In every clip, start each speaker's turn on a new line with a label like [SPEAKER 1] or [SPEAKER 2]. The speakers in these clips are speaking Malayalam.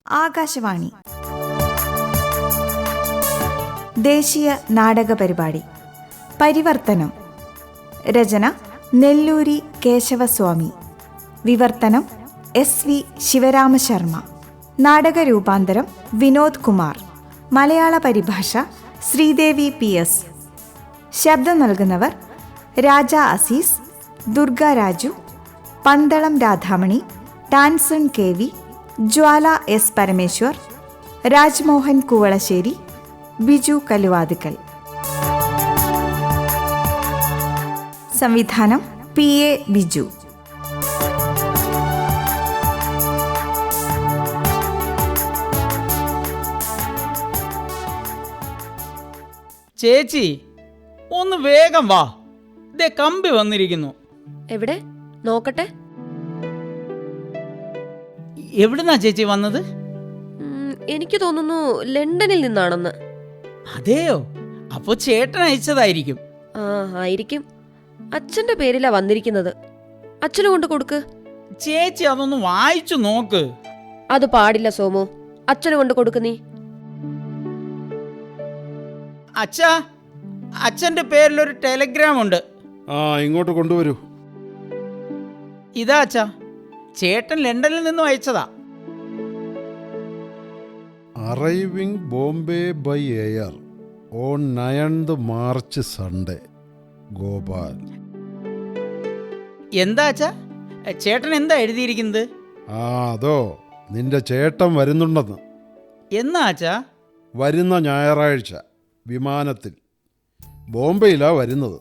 [SPEAKER 1] ആകാശവാണി ദേശീയ നാടക പരിപാടി പരിവർത്തനം. രചന നെല്ലൂരി കേശവസ്വാമി. വിവർത്തനം SV ശിവരാമശർമ്മ. നാടക രൂപാന്തരം വിനോദ് കുമാർ. മലയാള പരിഭാഷ ശ്രീദേവി PS. ശബ്ദം നൽകുന്നവർ രാജ അസീസ്, ദുർഗ രാജു, പന്തളം രാധാമണി, ടാൻസൺ KV, ജ്വാല S പരമേശ്വർ, രാജ്മോഹൻ കുവളശ്ശേരി, ബിജു കലുവാതുക്കൽ. സംവിധാനം PA ബിജു.
[SPEAKER 2] ചേച്ചി ഒന്ന് വേഗം വാ, ദേ കമ്പി വന്നിരിക്കുന്നു.
[SPEAKER 3] എവിടെ നോക്കട്ടെ.
[SPEAKER 2] എവിടുന്നാ ചേച്ചി വന്നത്?
[SPEAKER 3] എനിക്ക് തോന്നുന്നു ലണ്ടനിൽ നിന്നാണെന്ന്.
[SPEAKER 2] അതെയോ? അപ്പോ ചേട്ടൻ അയച്ചതായിരിക്കും.
[SPEAKER 3] ആ, ആയിരിക്കും. അച്ഛന്റെ പേരിലാ വന്നിരിക്കുന്നത്. അച്ഛന് കൊണ്ട് കൊടുക്ക്.
[SPEAKER 2] ചേച്ചി അതൊന്ന് വായിച്ചു നോക്ക്.
[SPEAKER 3] അത് പാടില്ല സോമു, അച്ഛന് കൊണ്ട് കൊടുക്ക് നീ.
[SPEAKER 2] അച്ഛാ, അച്ഛന്റെ പേരിലൊരു ടെലഗ്രാം ഉണ്ട്.
[SPEAKER 4] ഇങ്ങോട്ട് കൊണ്ടുവരൂ.
[SPEAKER 2] ഇതാ അച്ഛാ, ചേട്ടൻ ലണ്ടനിൽ നിന്നും അയച്ചതാ.
[SPEAKER 4] Arriving Bombay by air on 9th March Sunday. Gopal.
[SPEAKER 2] എന്താ അച്ഛാ, ചേട്ടൻ എന്താ എഴുതിയിരിക്കുന്നത്?
[SPEAKER 4] അതോ, നിന്റെ ചേട്ടൻ വരുന്നുണ്ടെന്ന്.
[SPEAKER 2] എന്നാ അച്ഛാ?
[SPEAKER 4] വരുന്ന ഞായറാഴ്ച വിമാനത്തിൽ. ബോംബെയിലാ വരുന്നത്.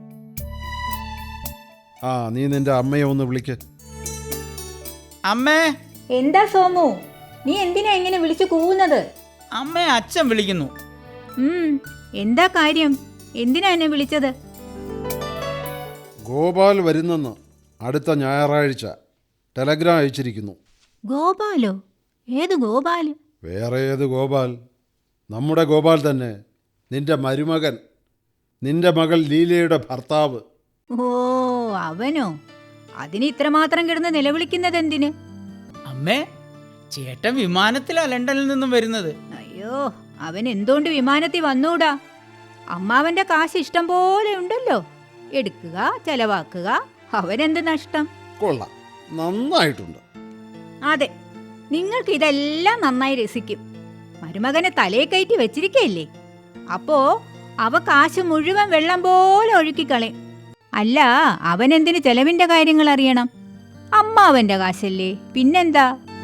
[SPEAKER 4] നീ നിന്റെ അമ്മയെ ഒന്ന് വിളിക്ക്.
[SPEAKER 2] അമ്മേ.
[SPEAKER 5] എന്താ സോമു, നീ എന്തിനാ ഇങ്ങനെ വിളിച്ചു കൂവുന്നത്?
[SPEAKER 2] അമ്മയെ അച്ഛൻ വിളിക്കുന്നു.
[SPEAKER 5] എന്താ കാര്യം? എന്തിനാ എന്നെ വിളിച്ചത്?
[SPEAKER 4] ഗോപാൽ വരുന്നെന്ന് അടുത്ത ഞായറാഴ്ച ടെലഗ്രാം അയച്ചിരിക്കുന്നു.
[SPEAKER 5] ഗോപാലോ? ഏത് ഗോപാൽ?
[SPEAKER 4] വേറെ ഏത് ഗോപാൽ? നമ്മുടെ ഗോപാൽ തന്നെ. നിന്റെ മരുമകൻ, നിന്റെ മകൾ ലീലയുടെ ഭർത്താവ്.
[SPEAKER 5] ഓ, അവനോ? അതിന് ഇത്രമാത്രം കിടന്ന് നിലവിളിക്കുന്നത് എന്തിന്?
[SPEAKER 2] അമ്മേ, ചേട്ടൻ വിമാനത്തിലാ ലണ്ടനിൽ നിന്നും വരുന്നത്.
[SPEAKER 5] അയ്യോ, അവൻ എന്തുകൊണ്ട് വിമാനത്തിൽ വന്നൂടാ? അമ്മാവന്റെ കാശ് ഇഷ്ടം പോലെ ഉണ്ടല്ലോ. എടുക്കുക, ചെലവാക്കുക. അവനെന്ത് നഷ്ടം?
[SPEAKER 4] കൊള്ളാം, നന്നായിട്ടുണ്ട്.
[SPEAKER 5] അതെ, നിങ്ങൾക്ക് ഇതെല്ലാം നന്നായി രസിക്കും. മരുമകനെ തലയെ കയറ്റി വെച്ചിരിക്കല്ലേ, അപ്പോ അവ കാശ് മുഴുവൻ വെള്ളം പോലെ ഒഴുക്കിക്കളയും. അല്ല, അവനെന്തിന് ചെലവിന്റെ കാര്യങ്ങൾ അറിയണം? അമ്മാവന്റെ കാശല്ലേ, പിന്നെന്താ?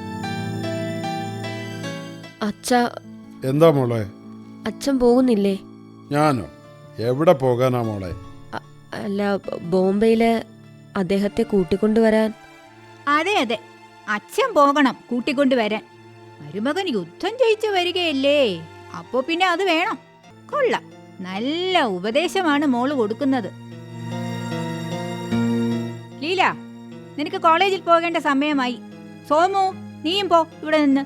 [SPEAKER 3] അച്ഛാ.
[SPEAKER 4] എന്താ മോളെ?
[SPEAKER 3] അച്ഛൻ പോകുന്നില്ലേ?
[SPEAKER 4] ഞാനോ? എവിടെ പോകാനാ മോളെ?
[SPEAKER 3] അല്ല, ബോംബെയില് അദ്ദേഹത്തെ കൂട്ടിക്കൊണ്ടുവരാൻ.
[SPEAKER 5] അതെ അതെ, അച്ഛൻ പോകണം കൂട്ടിക്കൊണ്ടുവരാൻ. മരുമകൻ യുദ്ധം ജയിച്ചു വരികയല്ലേ, അപ്പോ പിന്നെ അത് വേണം. കൊള്ളാം, നല്ല ഉപദേശമാണ് മോള് കൊടുക്കുന്നത്. ലീല, നിനക്ക് കോളേജിൽ പോകേണ്ട സമയമായി. സോമു, നീയും പോ ഇവിടെ നിന്ന്.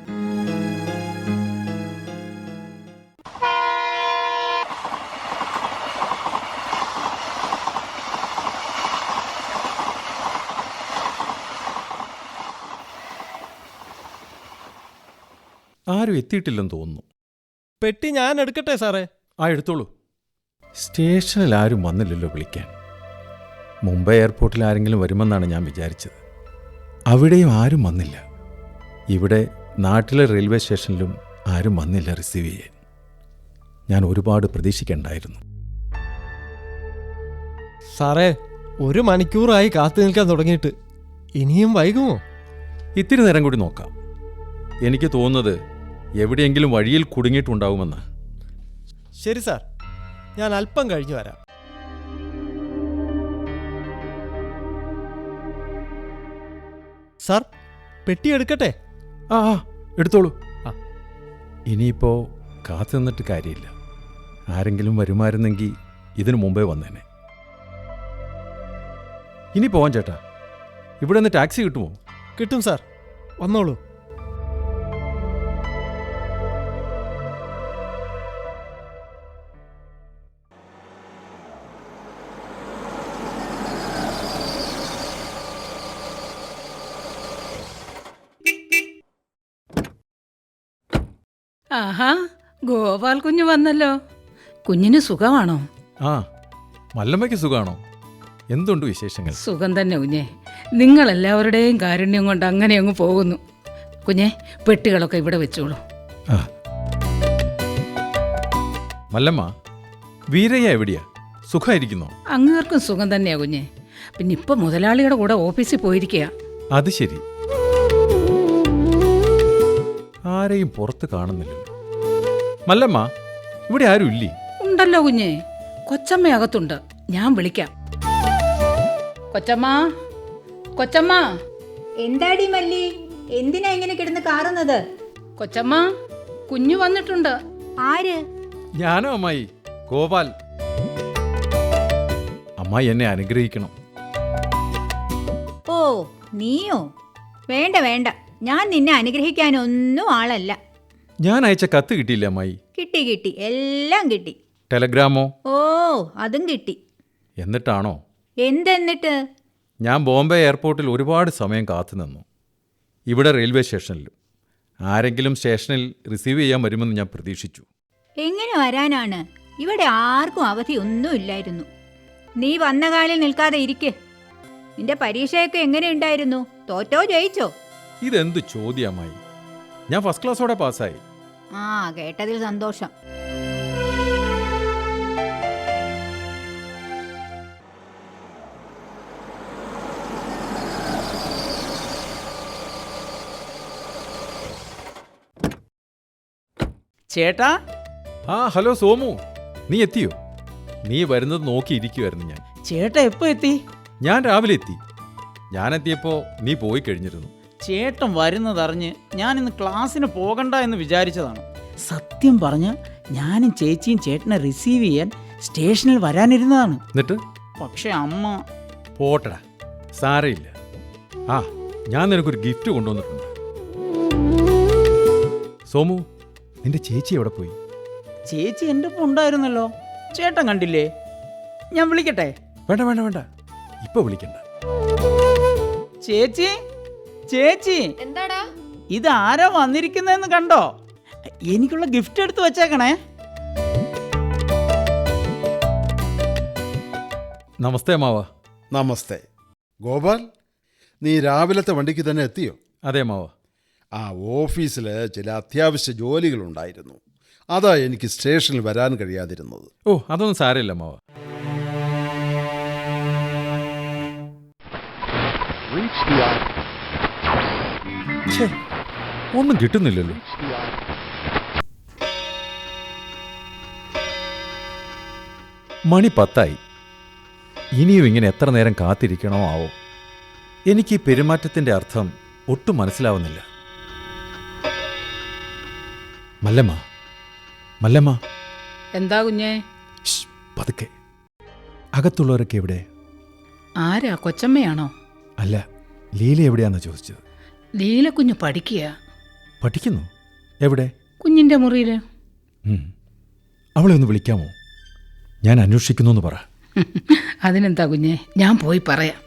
[SPEAKER 6] ആരും എത്തിയിട്ടില്ലെന്ന് തോന്നുന്നു.
[SPEAKER 7] പെട്ടി ഞാൻ എടുക്കട്ടെ സാറേ?
[SPEAKER 6] എടുത്തോളൂ. സ്റ്റേഷനിൽ ആരും വന്നില്ലല്ലോ വിളിക്കാൻ. മുംബൈ എയർപോർട്ടിൽ ആരെങ്കിലും വരുമെന്നാണ് ഞാൻ വിചാരിച്ചത്. അവിടെയും ആരും വന്നില്ല. ഇവിടെ നാട്ടിലെ റെയിൽവേ സ്റ്റേഷനിലും ആരും വന്നില്ല റിസീവ് ചെയ്യാൻ. ഞാൻ ഒരുപാട് പ്രതീക്ഷിക്കണ്ടായിരുന്നു.
[SPEAKER 7] സാറേ, 1 മണിക്കൂറായി കാത്തു നിൽക്കാൻ തുടങ്ങിയിട്ട്. ഇനിയും വൈകുമോ?
[SPEAKER 6] ഇത്തിരി നേരം കൂടി നോക്കാം. എനിക്ക് തോന്നുന്നത് എവിടെയെങ്കിലും വഴിയിൽ കുടുങ്ങിയിട്ടുണ്ടാവുമെന്ന്.
[SPEAKER 7] ശരി സാർ, ഞാൻ അല്പം കഴിഞ്ഞു വരാം. സാർ, പെട്ടി എടുക്കട്ടെ?
[SPEAKER 6] എടുത്തോളൂ. ഇനിയിപ്പോൾ കാത്തു നിന്നിട്ട് കാര്യമില്ല. ആരെങ്കിലും വരുമായിരുന്നെങ്കിൽ ഇതിനു മുമ്പേ വന്നേനെ. ഇനി പോവാൻ ചേട്ടാ. ഇവിടെ നിന്ന് ടാക്സി കിട്ടുമോ?
[SPEAKER 7] കിട്ടും സാർ, വന്നോളൂ.
[SPEAKER 8] ആഹാ, ഗോപാൽ കുഞ്ഞ് വന്നല്ലോ. കുഞ്ഞിന് സുഖമാണോ?
[SPEAKER 6] ആ, മല്ലമ്മയ്ക്ക് സുഖമാണോ? എന്തുണ്ട് വിശേഷങ്ങൾ?
[SPEAKER 8] സുഖം തന്നെ കുഞ്ഞെ. നിങ്ങളെല്ലാവരുടെയും കാരുണ്യം കൊണ്ട് അങ്ങനെ അങ്ങ് പോകുന്നു. കുഞ്ഞെ, പെട്ടികളൊക്കെ ഇവിടെ വെച്ചോളൂ.
[SPEAKER 6] ആ. മല്ലമ്മ, വീരയ്യ എവിടെയാ? സുഖമായിരിക്കുന്നോ?
[SPEAKER 8] അങ്ങേർക്കും സുഖം തന്നെയാ കുഞ്ഞെ. പിന്നെ ഇപ്പൊ മുതലാളിയുടെ കൂടെ ഓഫീസിൽ പോയിരിക്കുക.
[SPEAKER 6] അത് ശരി. ആരെയും പുറത്ത് കാണുന്നില്ലല്ലോ. മല്ലമ്മ, ഇവിടെ ആരും ഇല്ലേ?
[SPEAKER 8] ഉണ്ടല്ലോ കുഞ്ഞെ, കൊച്ചമ്മ അകത്തുണ്ട്. ഞാൻ വിളിക്കാം. കൊച്ചമ്മ, കൊച്ചമ്മ,
[SPEAKER 5] എന്താടി മല്ലി, എന്തിനാ ഇങ്ങനെ കിടന്ന് കാറുന്നത്?
[SPEAKER 8] കൊച്ചമ്മ, കുഞ്ഞു വന്നിട്ടുണ്ട്.
[SPEAKER 5] ആര്?
[SPEAKER 6] ഞാനോ അമ്മായി? ഗോപാൽ. അമ്മായി എന്നെ അനുഗ്രഹിക്കണം.
[SPEAKER 5] ഓ, നീയോ? വേണ്ട വേണ്ട, ഞാൻ നിന്നെ അനുഗ്രഹിക്കാനൊന്നും ആളല്ല.
[SPEAKER 6] ഞാൻ അയച്ച കത്ത് കിട്ടിയില്ല അമ്മായി?
[SPEAKER 5] കിട്ടി കിട്ടി, എല്ലാം കിട്ടി.
[SPEAKER 6] ടെലഗ്രാമോ?
[SPEAKER 5] ഓ, അതും കിട്ടി.
[SPEAKER 6] എന്നിട്ടാണോ?
[SPEAKER 5] എന്തെന്നിട്ട്?
[SPEAKER 6] ഞാൻ ബോംബെ എയർപോർട്ടിൽ ഒരുപാട് സമയം കാത്തുനിന്നു. ഇവിടെ റെയിൽവേ സ്റ്റേഷനിലും. ആരെങ്കിലും സ്റ്റേഷനിൽ റിസീവ് ചെയ്യാൻ വരുമെന്ന് ഞാൻ പ്രതീക്ഷിച്ചു.
[SPEAKER 5] എങ്ങനെ വരാനാണ്? ഇവിടെ ആർക്കും അവധി ഒന്നും ഇല്ലായിരുന്നു. നീ വന്ന കാലിൽ നിൽക്കാതെ ഇരിക്ക്. നിന്റെ പരീക്ഷയൊക്കെ എങ്ങനെയുണ്ടായിരുന്നു? തോറ്റോ ജയിച്ചോ?
[SPEAKER 6] ഇതെന്ത് ചോദ്യമായി? ഞാൻ ഫസ്റ്റ് ക്ലാസ്സോടെ പാസ്സായി.
[SPEAKER 5] ആ, കേട്ടതിൽ സന്തോഷം.
[SPEAKER 2] ചേട്ടാ.
[SPEAKER 6] ആ, ഹലോ സോമു, നീ എത്തിയോ? നീ വരുന്നത് നോക്കിയിരിക്കുമായിരുന്നു ഞാൻ.
[SPEAKER 2] ചേട്ടാ എപ്പോ എത്തി?
[SPEAKER 6] ഞാൻ രാവിലെ എത്തി. ഞാനെത്തിയപ്പോൾ നീ പോയി കഴിഞ്ഞിരുന്നു.
[SPEAKER 2] ചേട്ടൻ വരുന്നതറിഞ്ഞ് ഞാൻ ഇന്ന് ക്ലാസ്സിന് പോകണ്ട എന്ന് വിചാരിച്ചതാണ്. സത്യം പറഞ്ഞ് ഞാനും ചേച്ചിയും ചേട്ടനെ റിസീവ് ചെയ്യാൻ സ്റ്റേഷനിൽ വരാനിരുന്നതാണ്.
[SPEAKER 6] എന്നിട്ട്?
[SPEAKER 2] പക്ഷെ അമ്മ.
[SPEAKER 6] പോട്ടടാ, സാരയില്ല. ആ, ഞാൻ നിനക്കൊരു ഗിഫ്റ്റ് കൊണ്ടുവന്നിട്ടുണ്ട്. സോമു, നിന്റെ ചേച്ചി എവിടെ പോയി?
[SPEAKER 2] ചേച്ചി എൻ്റെ ഒപ്പം ഉണ്ടായിരുന്നല്ലോ. ചേട്ടൻ കണ്ടില്ലേ? ഞാൻ വിളിക്കട്ടെ?
[SPEAKER 6] വേണ്ട വേണ്ട വേണ്ട, ഇപ്പൊ വിളിക്കണ്ട.
[SPEAKER 2] ചേച്ചി, ചേച്ചി,
[SPEAKER 3] എന്താടാ?
[SPEAKER 2] ഇത് ആരാ വന്നിരിക്കുന്നതെന്ന് കണ്ടോ? എനിക്കുള്ള ഗിഫ്റ്റ് എടുത്ത് വെച്ചേക്കണേ.
[SPEAKER 6] നമസ്തേ മാവ.
[SPEAKER 4] നമസ്തേ. ഗോപാൽ, നീ രാവിലത്തെ വണ്ടിക്ക് തന്നെ എത്തിയോ?
[SPEAKER 6] അതെ മാവ.
[SPEAKER 4] ആ, ഓഫീസിൽ ചില അത്യാവശ്യ ജോലികളുണ്ടായിരുന്നു. അതാ എനിക്ക് സ്റ്റേഷനിൽ വരാൻ കഴിയാതിരുന്നത്.
[SPEAKER 6] ഓ, അതൊന്നും സാരമില്ല മാവ. ഛേ, ഒന്നും കിട്ടുന്നില്ലല്ലോ. മണി 10 ഇനിയും ഇങ്ങനെ എത്ര നേരം കാത്തിരിക്കണോ ആവോ? എനിക്ക് ഈ പെരുമാറ്റത്തിന്റെ അർത്ഥം ഒട്ടും മനസ്സിലാവുന്നില്ല. മല്ലമ്മ, മല്ലമ്മ.
[SPEAKER 8] എന്താ കുഞ്ഞേ?
[SPEAKER 6] ശ്ശ്, പതുക്കെ. അകത്തുള്ളവരൊക്കെ എവിടെ?
[SPEAKER 8] ആരാ? കൊച്ചമ്മയാണോ?
[SPEAKER 6] അല്ല, ലീല എവിടെയാണെന്ന് ചോദിച്ചത്.
[SPEAKER 8] ലീല കുഞ്ഞ് പഠിക്കുക.
[SPEAKER 6] പഠിക്കുന്നു? എവിടെ?
[SPEAKER 8] കുഞ്ഞിന്റെ മുറിയിൽ.
[SPEAKER 6] അവളെ ഒന്ന് വിളിക്കാമോ? ഞാൻ അന്വേഷിക്കുന്നു എന്ന് പറ.
[SPEAKER 8] അതിനെന്താ കുഞ്ഞെ, ഞാൻ പോയി പറയാം.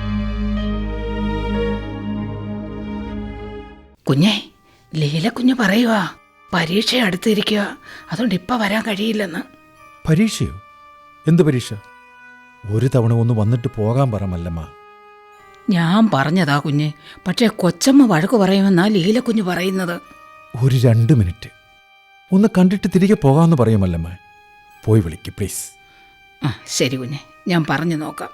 [SPEAKER 8] കുഞ്ഞെ, ലീല കുഞ്ഞ് പറയുവാ പരീക്ഷ അടുത്തിരിക്കുക, അതുകൊണ്ട് ഇപ്പം വരാൻ കഴിയില്ലെന്ന്.
[SPEAKER 6] പരീക്ഷയോ? എന്ത് പരീക്ഷ? ഒരു തവണ ഒന്ന് വന്നിട്ട് പോകാൻ പറ മല്ലമ്മ.
[SPEAKER 8] ഞാൻ പറഞ്ഞതാ കുഞ്ഞെ, പക്ഷേ കൊച്ചമ്മ വഴക്ക് പറയുമെന്നാ ലീല കുഞ്ഞ് പറയുന്നത്.
[SPEAKER 6] ഒരു 2 മിനിറ്റ് ഒന്ന് കണ്ടിട്ട് തിരികെ പോകാമെന്ന് പറയുമല്ലമ്മ. പോയി വിളിക്ക് പ്ലീസ്.
[SPEAKER 8] ആ, ശരി കുഞ്ഞെ, ഞാൻ പറഞ്ഞു നോക്കാം.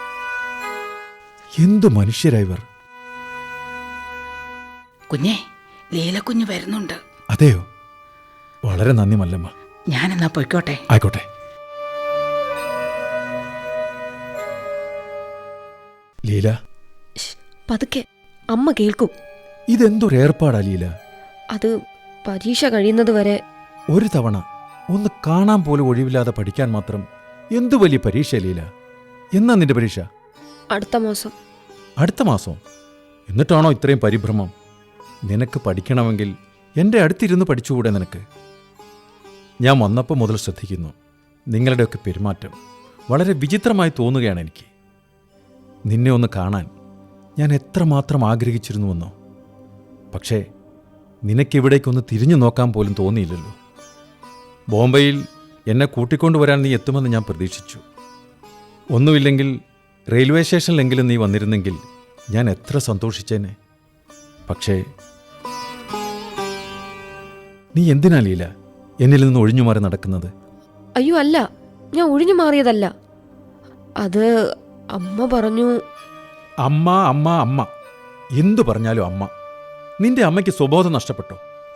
[SPEAKER 6] എന്തു മനുഷ്യരായവർ.
[SPEAKER 8] കുഞ്ഞെ, ലീല കുഞ്ഞ് വരുന്നുണ്ട്.
[SPEAKER 6] അതെയോ? വളരെ നന്ദി മല്ലമ്മ.
[SPEAKER 8] ഞാനെന്നാ പൊയ്ക്കോട്ടെ.
[SPEAKER 6] ആയിക്കോട്ടെ. ലീല,
[SPEAKER 3] പതുക്കെ, അമ്മ കേൾക്കും.
[SPEAKER 6] ഇതെന്തൊരു ഏർപ്പാടാ ലീല?
[SPEAKER 3] അത് പരീക്ഷ കഴിയുന്നത് വരെ.
[SPEAKER 6] ഒരു തവണ ഒന്ന് കാണാൻ പോലും ഒഴിവില്ലാതെ പഠിക്കാൻ മാത്രം എന്തു വലിയ പരീക്ഷ ലീല. എന്നാ നിന്റെ പരീക്ഷ?
[SPEAKER 3] അടുത്ത മാസം.
[SPEAKER 6] അടുത്ത മാസം? എന്നിട്ടാണോ ഇത്രയും പരിഭ്രമം? നിനക്ക് പഠിക്കണമെങ്കിൽ എൻ്റെ അടുത്തിരുന്ന് പഠിച്ചുകൂടെ നിനക്ക്? ഞാൻ വന്നപ്പോൾ മുതൽ ശ്രദ്ധിക്കുന്നു നിങ്ങളുടെയൊക്കെ പെരുമാറ്റം. വളരെ വിചിത്രമായി തോന്നുകയാണ് എനിക്ക്. നിന്നെ ഒന്ന് കാണാൻ ഞാൻ എത്രമാത്രം ആഗ്രഹിച്ചിരുന്നുവെന്നോ. പക്ഷേ നിനക്കിവിടേക്കൊന്ന് തിരിഞ്ഞു നോക്കാൻ പോലും തോന്നിയില്ലല്ലോ. ബോംബെയിൽ എന്നെ കൂട്ടിക്കൊണ്ടുവരാൻ നീ എത്തുമെന്ന് ഞാൻ പ്രതീക്ഷിച്ചു. ഒന്നുമില്ലെങ്കിൽ റെയിൽവേ സ്റ്റേഷനിലെങ്കിലും നീ വന്നിരുന്നെങ്കിൽ ഞാൻ എത്ര സന്തോഷിച്ചേനെ. പക്ഷേ നീ എന്തിനാ ലീല എന്നിൽ നിന്ന് ഒഴിഞ്ഞു മാറി നടക്കുന്നത്?
[SPEAKER 3] അയ്യോ അല്ല, ഞാൻ ഒഴിഞ്ഞു മാറിയതല്ല. അത് അമ്മ പറഞ്ഞു.
[SPEAKER 6] അമ്മ അമ്മ അമ്മ എന്തു പറഞ്ഞാലും അമ്മ. നിന്റെ അമ്മയ്ക്ക് സ്വബോധം നഷ്ടപ്പെട്ടോ?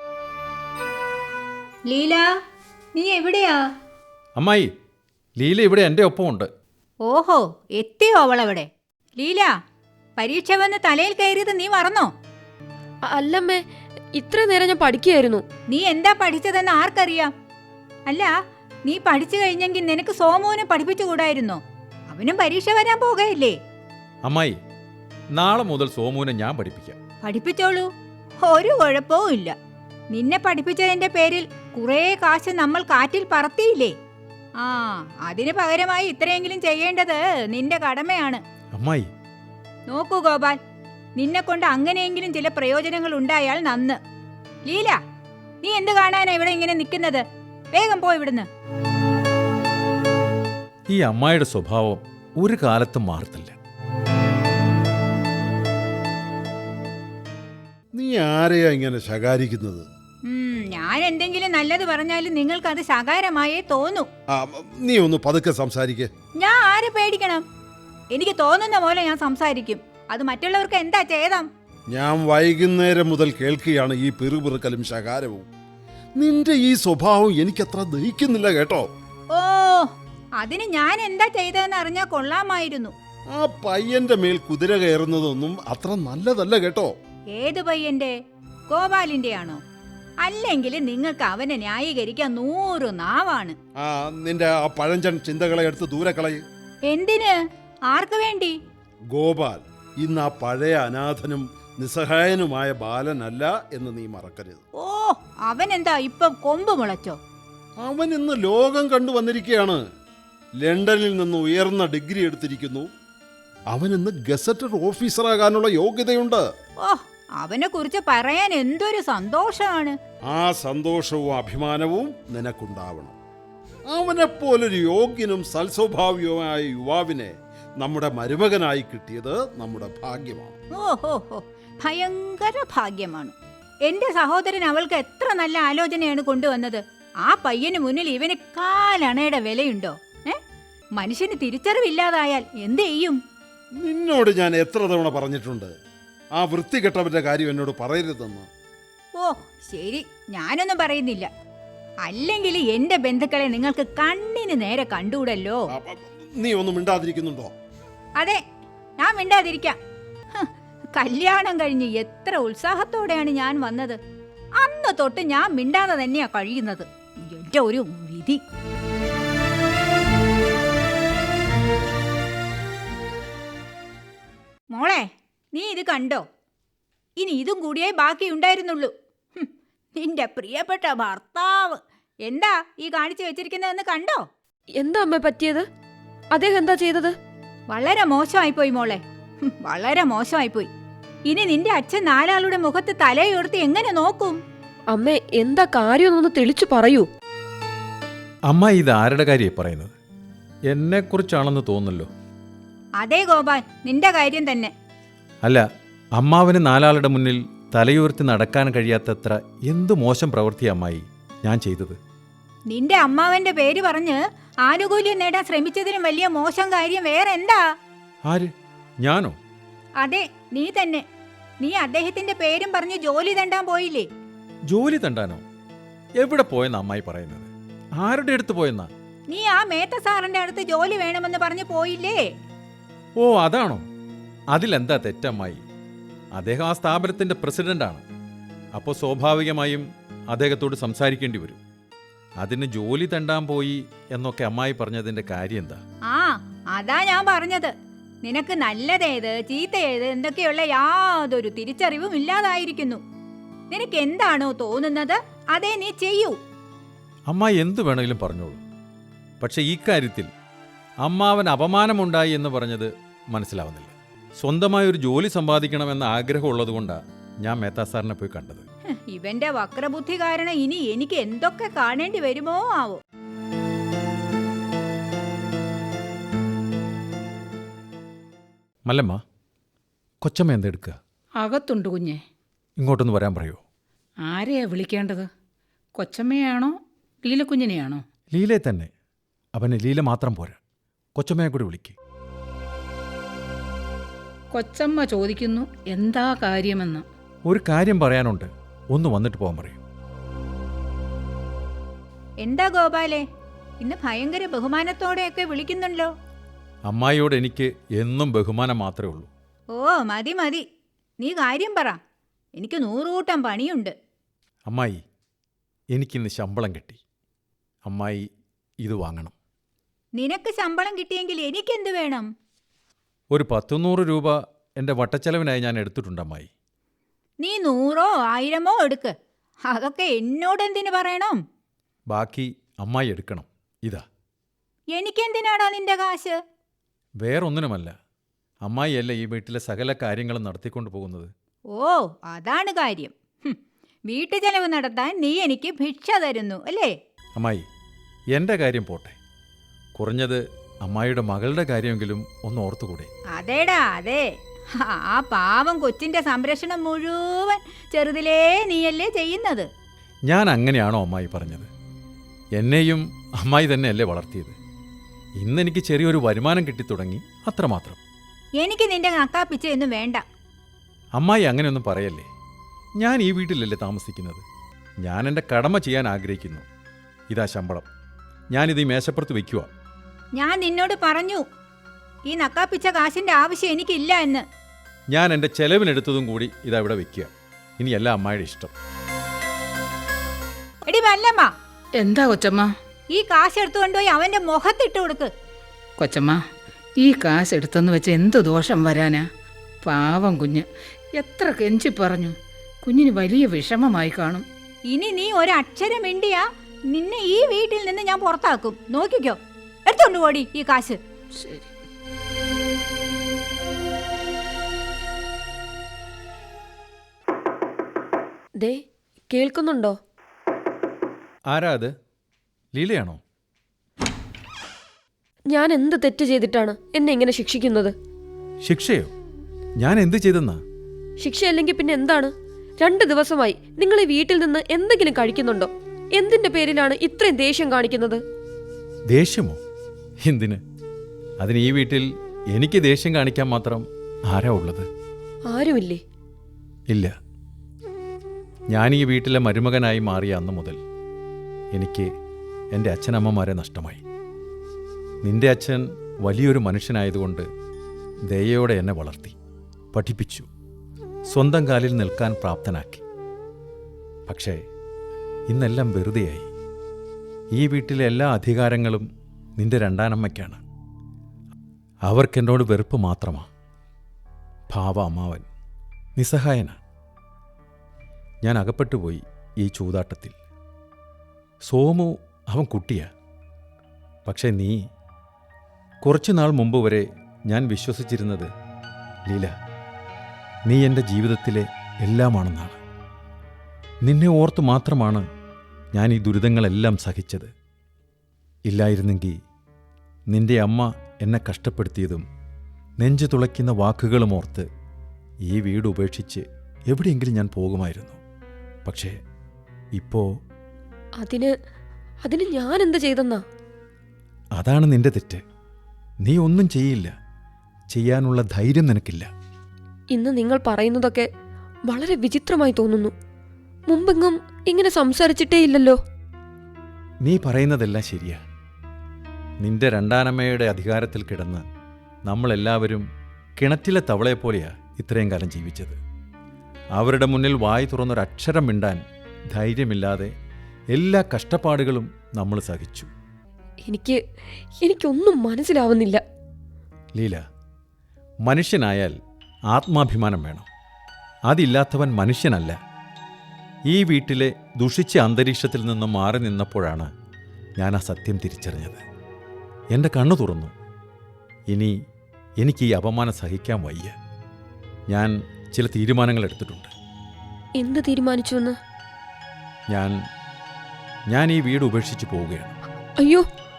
[SPEAKER 5] ലീല, നീ എവിടെയാ?
[SPEAKER 6] അമ്മായി, ലീല ഇവിടെ എൻ്റെ ഒപ്പമുണ്ട്.
[SPEAKER 5] ഓഹോ, എത്തിയോ അവളവിടെ? ലീല, പരീക്ഷ വന്ന് തലയിൽ കയറിയത് നീ മറന്നോ?
[SPEAKER 3] അല്ലമ്മേ, ഇത്ര നേരം ഞാൻ പഠിക്കുകയായിരുന്നു.
[SPEAKER 5] നീ എന്താ പഠിച്ചതെന്ന് ആർക്കറിയാം? അല്ല, നീ പഠിച്ചു കഴിഞ്ഞെങ്കിൽ നിനക്ക് സോമുവിനെ പഠിപ്പിച്ചുകൂടായിരുന്നോ? അവനും പരീക്ഷ വരാൻ പോകയില്ലേ?
[SPEAKER 6] അമ്മായി, നാളെ മുതൽ സോമുവിനെ ഞാൻ പഠിപ്പിക്കാം.
[SPEAKER 5] പഠിപ്പിച്ചോളൂ, ഒരു കുഴപ്പവും ഇല്ല. നിന്നെ പഠിപ്പിച്ചതിന്റെ പേരിൽ കുറേ കാശ് നമ്മൾ കാറ്റിൽ പറത്തിയില്ലേ? ആ, അതിന് പകരമായി ഇത്രയെങ്കിലും ചെയ്യേണ്ടത് നിന്റെ കടമയാണ്.
[SPEAKER 6] അമ്മായി,
[SPEAKER 5] നോക്കൂ ഗോപാൽ, നിന്നെ കൊണ്ട് അങ്ങനെയെങ്കിലും ചില പ്രയോജനങ്ങൾ ഉണ്ടായാൽ നന്ന്. ലീല, നീ എന്ത് കാണാനാ ഇവിടെ ഇങ്ങനെ നിൽക്കുന്നത്? വേഗം പോ ഇവിടുന്ന്.
[SPEAKER 6] ഈ അമ്മായിയുടെ സ്വഭാവം ഒരു കാലത്തും മാറത്തില്ല.
[SPEAKER 4] നീ ആരെയാ ഇങ്ങനെ ശകാരിക്കുന്നത്?
[SPEAKER 5] ഞാൻ എന്തെങ്കിലും നല്ലത് പറഞ്ഞാലും നിങ്ങൾക്ക് അത് ശകാരമായേ തോന്നൂ.
[SPEAKER 4] നീ ഒന്ന് പതുക്കെ സംസാരിക്കേ.
[SPEAKER 5] ഞാൻ ആരെ പേടിക്കണം? എനിക്ക് തോന്നുന്ന പോലെ ഞാൻ സംസാരിക്കും. അത് മറ്റുള്ളവർക്ക് എന്താ ചെയ്താം?
[SPEAKER 4] ഞാൻ വൈകുന്നേരം മുതൽ കേൾക്കുകയാണ് ഈ പിറുപിറുക്കലും ശകാരവും. നിന്റെ ഈ സ്വഭാവം എനിക്കത്ര ദഹിക്കുന്നില്ല കേട്ടോ.
[SPEAKER 5] ഓ, അതിന് ഞാൻ എന്താ ചെയ്തതെന്ന് അറിഞ്ഞാൽ കൊള്ളാമായിരുന്നു.
[SPEAKER 4] ആ പയ്യന്റെ മേൽ കുതിര കയറുന്നതൊന്നും അത്ര നല്ലതല്ല കേട്ടോ.
[SPEAKER 5] ഏത് പയ്യന്റെ? ഗോപാലിന്റെ ആണോ? അല്ലെങ്കിൽ നിങ്ങൾക്ക് അവനെ ന്യായീകരിക്കാൻ 100 നാവാണ്.
[SPEAKER 4] നിന്റെ ആ പഴഞ്ചൻ ചിന്തകളെ എടുത്ത് ദൂരെ കളയ്.
[SPEAKER 5] എന്തിന്? ആർക്ക് വേണ്ടി?
[SPEAKER 4] ഗോപാൽ ഇന്ന് ആ പഴയ അനാഥനും നിസ്സഹായനുമായ ബാലനല്ല എന്ന് നീ മറക്കരുത്.
[SPEAKER 5] ഓ, അവൻ എന്താ ഇപ്പം കൊമ്പ് മുളച്ചോ?
[SPEAKER 4] അവൻ ഇന്ന് ലോകം കണ്ടു വന്നിരിക്കുകയാണ്. ലണ്ടനിൽ നിന്ന് ഉയർന്ന ഡിഗ്രി എടുത്തിരിക്കുന്നു. അവൻ ഇന്ന് ഗസറ്റഡ് ഓഫീസറാകാനുള്ള യോഗ്യതയുണ്ട്.
[SPEAKER 5] ഓ, അവനെ കുറിച്ച് പറയാൻ എന്തൊരു സന്തോഷമാണ്.
[SPEAKER 4] ആ സന്തോഷവും അഭിമാനവും നിനക്കുണ്ടാവണം. അവനെപ്പോലൊരു യോഗ്യനും സൽസ്വഭാവിയുമായ യുവാവിനെ നമ്മുടെ മരുമകനായി കിട്ടിയത് നമ്മുടെ ഭാഗ്യമാണ്.
[SPEAKER 5] ഓഹോ, ഭയങ്കര ഭാഗ്യമാണ്. എന്റെ സഹോദരൻ അവൾക്ക് എത്ര നല്ല ആലോചനയാണ് കൊണ്ടുവന്നത്. ആ പയ്യന് മുന്നിൽ ഇവന് കാലണയുടെ വിലയുണ്ടോ? മനുഷ്യന് തിരിച്ചറിവില്ലാതായാൽ എന്ത് ചെയ്യും?
[SPEAKER 4] നിന്നോട് ഞാൻ എത്ര തവണ പറഞ്ഞിട്ടുണ്ട് ആ വൃത്തികെട്ടവന്റെ കാര്യം എന്നോട് പറയരുതെന്ന്.
[SPEAKER 5] ഓ ശരി, ഞാനൊന്നും പറയുന്നില്ല. അല്ലെങ്കിൽ എന്റെ ബന്ധുക്കളെ നിങ്ങൾക്ക് കണ്ണിന് നേരെ കണ്ടുകൂടല്ലോ.
[SPEAKER 4] നീ ഒന്നും മിണ്ടാതിരിക്കുന്നുണ്ടോ?
[SPEAKER 5] അതെ, ഞാൻ മിണ്ടാതിരിക്കാം. കല്യാണം കഴിഞ്ഞ് എത്ര ഉത്സാഹത്തോടെയാണ് ഞാൻ വന്നത്. അന്ന് തൊട്ട് ഞാൻ മിണ്ടാതെ തന്നെയാ കഴിയുന്നത്. എന്റെ ഒരു വിധി. മോളെ, നീ ഇത് കണ്ടോ? ഇനി ഇതും കൂടിയേ ബാക്കിയുണ്ടായിരുന്നുള്ളൂ. നിന്റെ പ്രിയപ്പെട്ട ഭർത്താവ് എന്താ ഈ കാണിച്ചു വെച്ചിരിക്കുന്നതെന്ന് കണ്ടോ?
[SPEAKER 3] എന്താ അമ്മ പറ്റിയത്? അദ്ദേഹം എന്താ ചെയ്തത്?
[SPEAKER 5] വളരെ മോശമായിപ്പോയി മോളെ, വളരെ മോശമായിപ്പോയി. ഇനി നിന്റെ അച്ഛൻ 4 ആളുടെ മുഖത്ത് തലയുയർത്തി എങ്ങനെ നോക്കും?
[SPEAKER 3] അമ്മ എന്താ കാര്യമൊന്നൊന്ന് തെളിച്ചു പറയൂ.
[SPEAKER 6] അമ്മ ഇത് ആരുടെ കാര്യമാണ് പറയുന്നത്? എന്നെക്കുറിച്ചാണെന്ന് തോന്നുന്നല്ലോ.
[SPEAKER 5] അതെ ഗോപാൽ, നിന്റെ കാര്യം തന്നെ.
[SPEAKER 6] അല്ല, അമ്മാവന് 4 ആളുടെ മുന്നിൽ തലയുയർത്തി നടക്കാൻ കഴിയാത്തത്ര എന്തു മോശം പ്രവൃത്തി അമ്മായി ഞാൻ ചെയ്തത്?
[SPEAKER 5] നിന്റെ അമ്മാവന്റെ പേര് പറഞ്ഞ് ആനുകൂല്യം നേടാൻ ശ്രമിച്ചതിനും വലിയ മോശം കാര്യം വേറെ എന്താ?
[SPEAKER 6] ആര്? ഞാനോ?
[SPEAKER 5] അതെ, നീ തന്നെ. നീ അദ്ദേഹത്തിന്റെ പേരും പറഞ്ഞ് ജോലി തണ്ടാൻ പോയില്ലേ?
[SPEAKER 6] ജോലി തണ്ടാനോ? എവിടെ പോയെന്നാ അമ്മായി പറയുന്നത്? ആരുടെ അടുത്ത് പോയെന്നാ?
[SPEAKER 5] നീ ആ മേത്ത സാറിന്റെ അടുത്ത് ജോലി വേണമെന്ന് പറഞ്ഞു പോയില്ലേ?
[SPEAKER 6] ഓ അതാണോ? അതിലെന്താ തെറ്റമ്മായി? അദ്ദേഹം ആ സ്ഥാപനത്തിന്റെ പ്രസിഡന്റാണ്. അപ്പോൾ സ്വാഭാവികമായും അദ്ദേഹത്തോട് സംസാരിക്കേണ്ടി വരും. അതിന് ജോലി തണ്ടാൻ പോയി എന്നൊക്കെ അമ്മായി പറഞ്ഞതിന്റെ കാര്യം എന്താ?
[SPEAKER 5] ആ, അതാ ഞാൻ പറഞ്ഞത്. നിനക്ക് നല്ലതേത് ചീത്തയേത് എന്തൊക്കെയുള്ള യാതൊരു തിരിച്ചറിവും ഇല്ലാതായിരിക്കുന്നു. നിനക്ക് എന്താണോ തോന്നുന്നത് അതേ നീ ചെയ്യൂ.
[SPEAKER 6] അമ്മായി എന്തു വേണമെങ്കിലും പറഞ്ഞോളൂ. പക്ഷെ ഈ കാര്യത്തിൽ അമ്മാവൻ അപമാനമുണ്ടായി എന്ന് പറഞ്ഞത് മനസ്സിലാവുന്നില്ല. സ്വന്തമായൊരു ജോലി സമ്പാദിക്കണമെന്ന ആഗ്രഹമുള്ളതുകൊണ്ടാണ് ഞാൻ മേത്താ സാറിനെ പോയി കണ്ടത്.
[SPEAKER 5] ഇവന്റെ വക്രബുദ്ധി കാരണം ഇനി എനിക്ക് എന്തൊക്കെ കാണേണ്ടി വരുമോ ആവോ.
[SPEAKER 6] മല്ലമ്മ, കൊച്ചമ്മ എന്തെടുക്കുക?
[SPEAKER 8] അകത്തുണ്ട് കുഞ്ഞെ.
[SPEAKER 6] ഇങ്ങോട്ടൊന്ന് വരാൻ പറയോ?
[SPEAKER 8] ആരെയാ വിളിക്കേണ്ടത്? കൊച്ചമ്മയാണോ ലീലക്കുഞ്ഞിനെയാണോ?
[SPEAKER 6] ലീലയെ തന്നെ. അവന് ലീല മാത്രം പോരാ, കൊച്ചമ്മയെ കൂടി വിളിക്ക്.
[SPEAKER 8] കൊച്ചമ്മ ചോദിക്കുന്നു എന്താ കാര്യമെന്ന്.
[SPEAKER 6] ഒരു കാര്യം പറയാനുണ്ട്, ഒന്ന് വന്നിട്ട് പോകാൻ പറയൂ.
[SPEAKER 5] എന്താ ഗോപാലേ, ഇന്ന് ഭയങ്കര ബഹുമാനത്തോടെയൊക്കെ വിളിക്കുന്നുണ്ടല്ലോ.
[SPEAKER 6] അമ്മായിയോട് എനിക്ക് എന്നും ബഹുമാനം മാത്രമേ ഉള്ളൂ.
[SPEAKER 5] ഓ മതി മതി, നീ കാര്യം പറ, എനിക്ക് 100 കൂട്ടം പണിയുണ്ട്.
[SPEAKER 6] അമ്മായി, എനിക്കിന്ന് ശമ്പളം കിട്ടി. അമ്മായി ഇത് വാങ്ങണം.
[SPEAKER 5] നിനക്ക് ശമ്പളം കിട്ടിയെങ്കിൽ എനിക്കെന്ത് വേണം?
[SPEAKER 6] ഒരു 100 രൂപ എൻ്റെ വട്ടച്ചെലവിനായി ഞാൻ എടുത്തിട്ടുണ്ട് അമ്മായി.
[SPEAKER 5] നീ 100 1000 എടുക്ക്, അതൊക്കെ എന്നോടെന്തിനു പറയണം?
[SPEAKER 6] ബാക്കി അമ്മായി എടുക്കണം. ഇതാ.
[SPEAKER 5] എനിക്കെന്തിനാടാ നിന്റെ കാശ്?
[SPEAKER 6] വേറൊന്നിനുമല്ല, അമ്മായിയല്ല ഈ വീട്ടിലെ സകല കാര്യങ്ങളും നടത്തിക്കൊണ്ട് പോകുന്നത്.
[SPEAKER 5] ഓ അതാണ് കാര്യം. വീട്ടു ചെലവ് നടത്താൻ നീ എനിക്ക് ഭിക്ഷ തരുന്നു അല്ലേ?
[SPEAKER 6] അമ്മായി, എൻ്റെ കാര്യം പോട്ടെ, കുറഞ്ഞത് അമ്മായിയുടെ മകളുടെ കാര്യമെങ്കിലും ഒന്ന് ഓർത്തുകൂടെ?
[SPEAKER 5] അതേടാ അതെ, ആ പാവം കൊച്ചിന്റെ സംരക്ഷണം മുഴുവൻ ചെറുതിലേ നീയല്ലേ ചെയ്യുന്നത്.
[SPEAKER 6] ഞാൻ അങ്ങനെയാണോ അമ്മായി പറഞ്ഞത്? എന്നെയും അമ്മായി തന്നെയല്ലേ വളർത്തിയത്. ഇന്നെനിക്ക് ചെറിയൊരു വരുമാനം കിട്ടിത്തുടങ്ങി, അത്രമാത്രം.
[SPEAKER 5] എനിക്ക് നിന്റെ നക്കാപ്പിച്ചയൊന്നും വേണ്ട.
[SPEAKER 6] അമ്മായി അങ്ങനെയൊന്നും പറയല്ലേ. ഞാൻ ഈ വീട്ടിലല്ലേ താമസിക്കുന്നത്. ഞാൻ എൻ്റെ കടമ ചെയ്യാൻ ആഗ്രഹിക്കുന്നു. ഇതാ ശമ്പളം, ഞാനിത് ഈ മേശപ്പുറത്ത് വയ്ക്കുക.
[SPEAKER 5] ഞാൻ നിന്നോട് പറഞ്ഞു ഈ നക്കാപ്പിച്ച കാശിന്റെ ആവശ്യം എനിക്കില്ല എന്ന്.
[SPEAKER 6] ഞാൻ എൻ്റെ ചെലവിനെടുത്തതും കൂടി ഇതാ ഇവിടെ വയ്ക്കുക. ഇനിയല്ല അമ്മായിയുടെ ഇഷ്ടം.
[SPEAKER 5] എടി വല്ലമ്മ,
[SPEAKER 8] എന്താ കൊച്ചമ്മ?
[SPEAKER 5] ഈ കാശ് എടുത്തുകൊണ്ടുപോയി അവന്റെ മുഖത്തിട്ട് കൊടുക്ക്.
[SPEAKER 8] കൊച്ചമ്മ, ഈ കാശ് എടുത്തെന്ന് വെച്ച് എന്ത് ദോഷം വരാനാ? പാവം കുഞ്ഞ് എത്ര കെഞ്ചി പറഞ്ഞു. കുഞ്ഞിന് വലിയ വിഷമമായി കാണും.
[SPEAKER 5] ഇനി നീ ഒരക്ഷരം മിണ്ടിയാ നിന്നെ ഈ വീട്ടിൽ നിന്ന് ഞാൻ പുറത്താക്കും. നോക്കിക്കോ, എടുത്തോണ്ട് പോടി ഈ കാശ്.
[SPEAKER 8] ശരി.
[SPEAKER 3] ദേ, കേൾക്കുന്നുണ്ടോ?
[SPEAKER 6] ആരാ അത്? ലീലയാണോ?
[SPEAKER 3] ഞാൻ എന്ത് തെറ്റ് ചെയ്തിട്ടാണ് എന്നെ ഇങ്ങനെ ശിക്ഷിക്കുന്നത്?
[SPEAKER 6] ശിക്ഷയോ? ഞാൻ എന്ത് ചെയ്തെന്നാ?
[SPEAKER 3] ശിക്ഷയല്ലെങ്കിൽ പിന്നെ എന്താണ്? 2 ദിവസമായി നിങ്ങൾ ഈ വീട്ടിൽ നിന്ന് എന്തെങ്കിലും കഴിക്കുന്നുണ്ടോ? എന്തിന്റെ പേരിലാണ് ഇത്രയും ദേഷ്യം കാണിക്കുന്നത്?
[SPEAKER 6] ദേഷ്യമോ? എന്തിന്? അതിന് ഈ വീട്ടിൽ എനിക്ക് ദേഷ്യം കാണിക്കാൻ മാത്രം ആരാ ഉള്ളത്?
[SPEAKER 3] ആരുമില്ലേ?
[SPEAKER 6] ഇല്ല. ഞാൻ ഈ വീട്ടിലെ മരുമകനായി മാറിയ അന്ന് മുതൽ എനിക്ക് എൻ്റെ അച്ഛനമ്മമാരെ നഷ്ടമായി. നിന്റെ അച്ഛൻ വലിയൊരു മനുഷ്യനായതുകൊണ്ട് ദയയോടെ എന്നെ വളർത്തി, പഠിപ്പിച്ചു, സ്വന്തം കാലിൽ നിൽക്കാൻ പ്രാപ്തനാക്കി. പക്ഷേ ഇന്നെല്ലാം വെറുതെയായി. ഈ വീട്ടിലെ എല്ലാ അധികാരങ്ങളും നിന്റെ രണ്ടാനമ്മയ്ക്കാണ്. അവർക്കെന്നോട് വെറുപ്പ് മാത്രമാണ്. ഭാവ അമ്മാവൻ നിസ്സഹായനാണ്. ഞാൻ അകപ്പെട്ടുപോയി ഈ ചൂതാട്ടത്തിൽ. സോമു അവൻ കുട്ടിയാ. പക്ഷേ നീ, കുറച്ചു നാൾ മുമ്പ് വരെ ഞാൻ വിശ്വസിച്ചിരുന്നത് ലീല, നീ എൻ്റെ ജീവിതത്തിലെ എല്ലാമാണെന്നാണ്. നിന്നെ ഓർത്തു മാത്രമാണ് ഞാൻ ഈ ദുരിതങ്ങളെല്ലാം സഹിച്ചത്. ഇല്ലായിരുന്നെങ്കിൽ നിന്റെ അമ്മ എന്നെ കഷ്ടപ്പെടുത്തിയതും നെഞ്ചു തുളയ്ക്കുന്ന വാക്കുകളും ഓർത്ത് ഈ വീട് ഉപേക്ഷിച്ച് എവിടെയെങ്കിലും ഞാൻ പോകുമായിരുന്നു. പക്ഷേ ഇപ്പോൾ
[SPEAKER 3] അതിന് ഞാൻ എന്ത് ചെയ്തെന്നാ?
[SPEAKER 6] അതാണ് നിന്റെ തെറ്റ്. നീ ഒന്നും ചെയ്യില്ല. ചെയ്യാനുള്ള ധൈര്യം നിനക്കില്ല.
[SPEAKER 3] ഇന്ന് നിങ്ങൾ പറയുന്നതൊക്കെ വളരെ വിചിത്രമായി തോന്നുന്നു. മുമ്പെങ്ങും ഇങ്ങനെ സംസാരിച്ചിട്ടേ ഇല്ലല്ലോ.
[SPEAKER 6] നീ പറയുന്നതെല്ലാം ശരിയാ. നിന്റെ രണ്ടാനമ്മയുടെ അധികാരത്തിൽ കിടന്ന് നമ്മളെല്ലാവരും കിണറ്റിലെ തവളയെപ്പോലെയാ ഇത്രയും കാലം ജീവിച്ചത്. അവരുടെ മുന്നിൽ വായി തുറന്നൊരക്ഷരം മിണ്ടാൻ ധൈര്യമില്ലാതെ എല്ലാ കഷ്ടപ്പാടുകളും നമ്മൾ സഹിച്ചു.
[SPEAKER 3] എനിക്കൊന്നും മനസ്സിലാവുന്നില്ല.
[SPEAKER 6] ലീല, മനുഷ്യനായാൽ ആത്മാഭിമാനം വേണം. അതില്ലാത്തവൻ മനുഷ്യനല്ല. ഈ വീട്ടിലെ ദുഷിച്ച അന്തരീക്ഷത്തിൽ നിന്നും മാറി നിന്നപ്പോഴാണ് ഞാൻ ആ സത്യം തിരിച്ചറിഞ്ഞത്. എൻ്റെ കണ്ണു തുറന്നു. ഇനി എനിക്ക് ഈ അപമാനം സഹിക്കാൻ വയ്യ. ഞാൻ ചില തീരുമാനങ്ങൾ എടുത്തിട്ടുണ്ട്.
[SPEAKER 3] എന്ത് തീരുമാനിച്ചുവെന്ന്?
[SPEAKER 6] ഞാൻ ഈ വീട് ഉപേക്ഷിച്ച് പോവുകയാണ്.
[SPEAKER 3] അയ്യോ,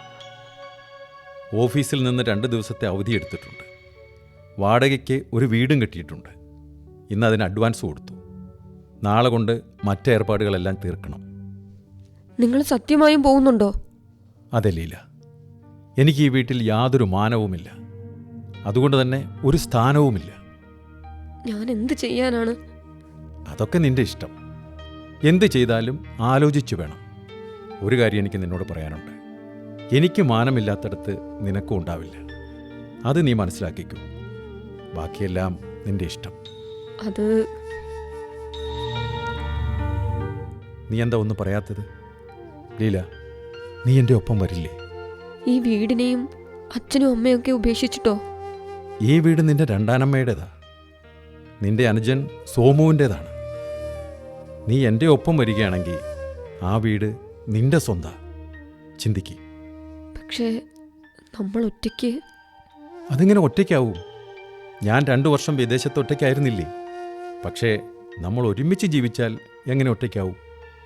[SPEAKER 6] ഓഫീസിൽ നിന്ന് 2 ദിവസത്തെ അവധി എടുത്തിട്ടുണ്ട്. വാടകയ്ക്ക് ഒരു വീടും കിട്ടിയിട്ടുണ്ട്. ഇന്ന് അതിന് അഡ്വാൻസ് കൊടുത്തു. നാളെ കൊണ്ട് മറ്റ് ഏർപ്പാടുകളെല്ലാം തീർക്കണം.
[SPEAKER 3] നിങ്ങൾ സത്യമായും പോകുന്നുണ്ടോ?
[SPEAKER 6] അതെ ലീല, എനിക്ക് ഈ വീട്ടിൽ യാതൊരു മാനവുമില്ല. അതുകൊണ്ട് തന്നെ ഒരു സ്ഥാനവുമില്ല.
[SPEAKER 3] ഞാൻ എന്ത് ചെയ്യാനാണ്?
[SPEAKER 6] അതൊക്കെ നിന്റെ ഇഷ്ടം. എന്ത് ചെയ്താലും ആലോചിച്ചു വേണം. ഒരു കാര്യം എനിക്ക് നിന്നോട് പറയാനുണ്ട്. എനിക്ക് മാനമില്ലാത്തടത്ത് നിനക്കും ഉണ്ടാവില്ല. അത് നീ മനസ്സിലാക്കിക്കൂ. ബാക്കിയെല്ലാം നിന്റെ ഇഷ്ടം.
[SPEAKER 3] അത്
[SPEAKER 6] നീ എന്താ ഒന്നും പറയാത്തത്? ലീല, നീ എൻ്റെ ഒപ്പം വരില്ലേ?
[SPEAKER 3] ഈ വീടിനെയും അച്ഛനും അമ്മയൊക്കെ ഉപേക്ഷിച്ചിട്ടോ?
[SPEAKER 6] ഈ വീട് നിന്റെ രണ്ടാനമ്മയുടേതാ. നിന്റെ അനുജൻ സോമുവിൻ്റേതാണ്. നീ എൻ്റെ ഒപ്പം വരികയാണെങ്കിൽ ആ വീട് നിന്റെ സ്വന്താ. ചിന്തിക്ക്.
[SPEAKER 3] പക്ഷേ നമ്മൾ ഒറ്റയ്ക്ക്.
[SPEAKER 6] അതിങ്ങനെ ഒറ്റയ്ക്കാവും? ഞാൻ 2 വർഷം വിദേശത്ത് ഒറ്റയ്ക്കായിരുന്നില്ലേ? പക്ഷേ നമ്മൾ ഒരുമിച്ച് ജീവിച്ചാൽ എങ്ങനെ ഒറ്റയ്ക്കാവും?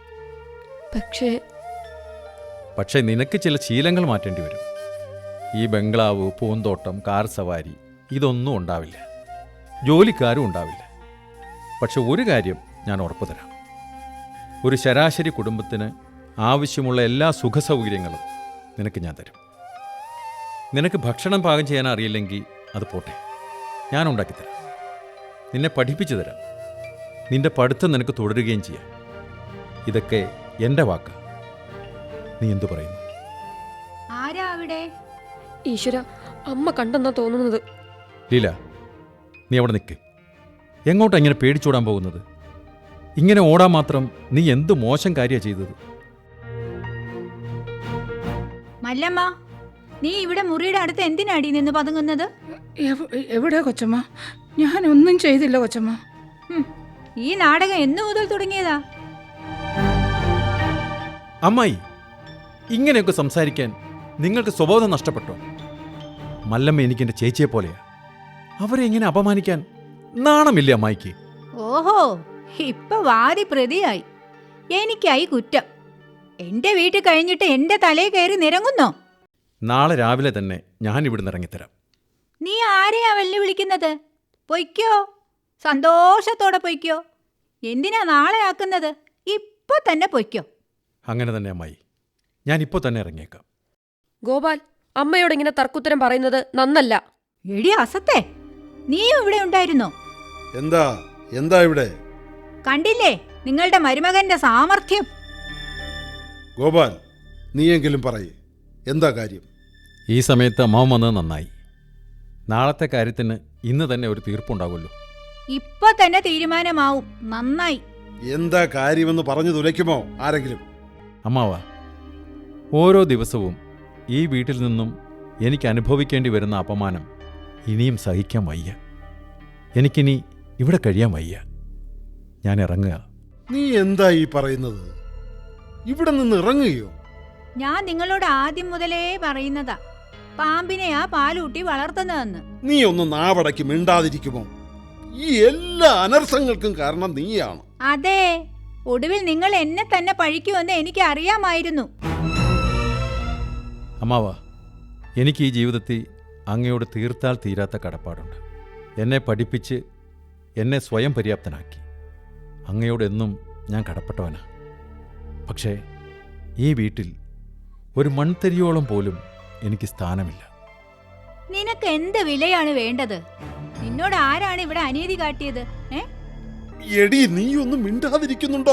[SPEAKER 6] പക്ഷേ നിനക്ക് ചില ശീലങ്ങൾ മാറ്റേണ്ടി വരും. ഈ ബംഗ്ലാവ്, പൂന്തോട്ടം, കാർ സവാരി ഇതൊന്നും ഉണ്ടാവില്ല. ജോലിക്കാരും ഉണ്ടാവില്ല. പക്ഷെ ഒരു കാര്യം ഞാൻ ഉറപ്പു തരാം. ഒരു ശരാശരി കുടുംബത്തിന് ആവശ്യമുള്ള എല്ലാ സുഖസൗകര്യങ്ങളും നിനക്ക് ഞാൻ തരും. നിനക്ക് ഭക്ഷണം പാകം ചെയ്യാൻ അറിയില്ലെങ്കിൽ അത് പോട്ടെ, ഞാൻ ഉണ്ടാക്കിത്തരാം. നിന്നെ പഠിപ്പിച്ചു തരാം. നിന്റെ പഠിത്തം നിനക്ക് തുടരുകയും ചെയ്യാം. ഇതൊക്കെ എൻ്റെ വാക്ക്. നീ എന്തു പറയുന്നു?
[SPEAKER 5] ആരാ അവിടെ?
[SPEAKER 3] ഈശ്വര, അമ്മ കണ്ടെന്നാ തോന്നുന്നത്.
[SPEAKER 6] ലീല, നീ അവിടെ നിൽക്ക്. എങ്ങോട്ടാ ഇങ്ങനെ പേടിച്ചോടാൻ പോകുന്നത്? ഇങ്ങനെ ഓടാൻ മാത്രം നീ എന്ത് മോശം കാര്യമാണ് ചെയ്തത്?
[SPEAKER 5] മല്ലമ്മ, നീ ഇവിടെ മുറിയുടെ അടുത്ത് എന്തിനാടി നിന്ന് പതുങ്ങുന്നത്?
[SPEAKER 8] എവിടെ കൊച്ചമ്മ? ഞാനൊന്നും ചെയ്തില്ല കൊച്ചമ്മ.
[SPEAKER 5] ഈ നാടകം എന്നു മുതൽ തുടങ്ങിയതാ?
[SPEAKER 6] അമ്മായി, ഇങ്ങനെയൊക്കെ സംസാരിക്കാൻ നിങ്ങൾക്ക് സ്വബോധം നഷ്ടപ്പെട്ടോ? മല്ലമ്മ എനിക്ക് എൻ്റെ ചേച്ചിയെ പോലെയാ. അവരെ ഇങ്ങനെ അപമാനിക്കാൻ നാണമില്ലേ അമ്മായിക്ക്?
[SPEAKER 5] ഓഹോ, ഇപ്പൊ വാദി പ്രതിയായി. എനിക്കായി കുറ്റം. എന്റെ വീട്ടിൽ കഴിഞ്ഞിട്ട് എന്റെ തലയിൽ കയറി നിരങ്ങുന്നോ?
[SPEAKER 6] നാളെ രാവിലെ തന്നെ ഞാൻ ഇവിടുന്ന് ഇറങ്ങിത്തരാം.
[SPEAKER 5] നീ ആരെയാ വെല്ലുവിളിക്കുന്നത്? പൊയ്ക്കോ, സന്തോഷത്തോടെ പൊയ്ക്കോ. എന്തിനാ നാളെ ആക്കുന്നത്? ഇപ്പൊ തന്നെ പൊയ്ക്കോ.
[SPEAKER 6] അങ്ങനെ തന്നെ അമ്മായി, ഞാനിപ്പോൾ തന്നെ ഇറങ്ങിയേക്കാം.
[SPEAKER 3] ഗോപാൽ, അമ്മയോട് ഇങ്ങനെ തർക്കുത്തരം പറയുന്നത് നന്നല്ല.
[SPEAKER 5] എടി അസത്തെ, നീയും ഇവിടെ ഉണ്ടായിരുന്നോ?
[SPEAKER 4] എന്താ ഇവിടെ?
[SPEAKER 5] കണ്ടില്ലേ നിങ്ങളുടെ മരുമകന്റെ സാമർഥ്യം?
[SPEAKER 4] ഗോപാൽ, നീയെങ്കിലും പറയേ, എന്താ കാര്യം?
[SPEAKER 6] ഈ സമയത്ത് അമ്മാവൻ വന്നത് നന്നായി. നാളത്തെ കാര്യത്തിന് ഇന്ന് തന്നെ ഒരു തീർപ്പുണ്ടാകുമല്ലോ.
[SPEAKER 5] ഇപ്പൊ തന്നെ തീരുമാനമാവും. നന്നായി.
[SPEAKER 4] എന്താ കാര്യമെന്ന് പറഞ്ഞു തുലയ്ക്കുമോ ആരെങ്കിലും?
[SPEAKER 6] അമ്മാവ, ഓരോ ദിവസവും ഈ വീട്ടിൽ നിന്നും എനിക്ക് അനുഭവിക്കേണ്ടി വരുന്ന അപമാനം ഇനിയും സഹിക്കാൻ വയ്യ. എനിക്കിനി ഇവിടെ കഴിയാൻ വയ്യ. ഞാൻ ഇറങ്ങുക.
[SPEAKER 4] നീ എന്താ ഈ പറയുന്നത്? ഇവിടെ നിന്ന് ഇറങ്ങുകയോ?
[SPEAKER 5] ഞാൻ നിങ്ങളോട് ആദ്യം മുതലേ പറയുന്നതാ, പാമ്പിനെയാ പാലൂട്ടി വളർത്തുന്നതെന്ന്.
[SPEAKER 4] നീ ഒന്ന് നാവടക്കി മിണ്ടാതിരിക്കുമോ? ഈ എല്ലാ അനർത്ഥങ്ങൾക്കും കാരണം നീയാണ്.
[SPEAKER 5] അതെ, ഒടുവിൽ നിങ്ങൾ എന്നെ തന്നെ പഴിക്കുമെന്ന് എനിക്ക് അറിയാമായിരുന്നു.
[SPEAKER 6] അമ്മാവ, എനിക്ക് ഈ ജീവിതത്തിൽ അങ്ങയോട് തീർത്താൽ തീരാത്ത കടപ്പാടുണ്ട്. എന്നെ പഠിപ്പിച്ച് എന്നെ സ്വയം പര്യാപ്തനാക്കി. അങ്ങയോട് എന്നും ഞാൻ കടപ്പെട്ടവനാ. പക്ഷേ ഈ വീട്ടിൽ ഒരു മൺതരിയോളം പോലും എനിക്ക് സ്ഥാനമില്ല.
[SPEAKER 5] നിനക്ക് എന്ത് വിലയാണ് വേണ്ടത്? നിന്നോട് ആരാണ് ഇവിടെ അനീതി കാട്ടിയത്?
[SPEAKER 4] എടി, നീ ഒന്നും മിണ്ടാതിരിക്കുന്നുണ്ടോ?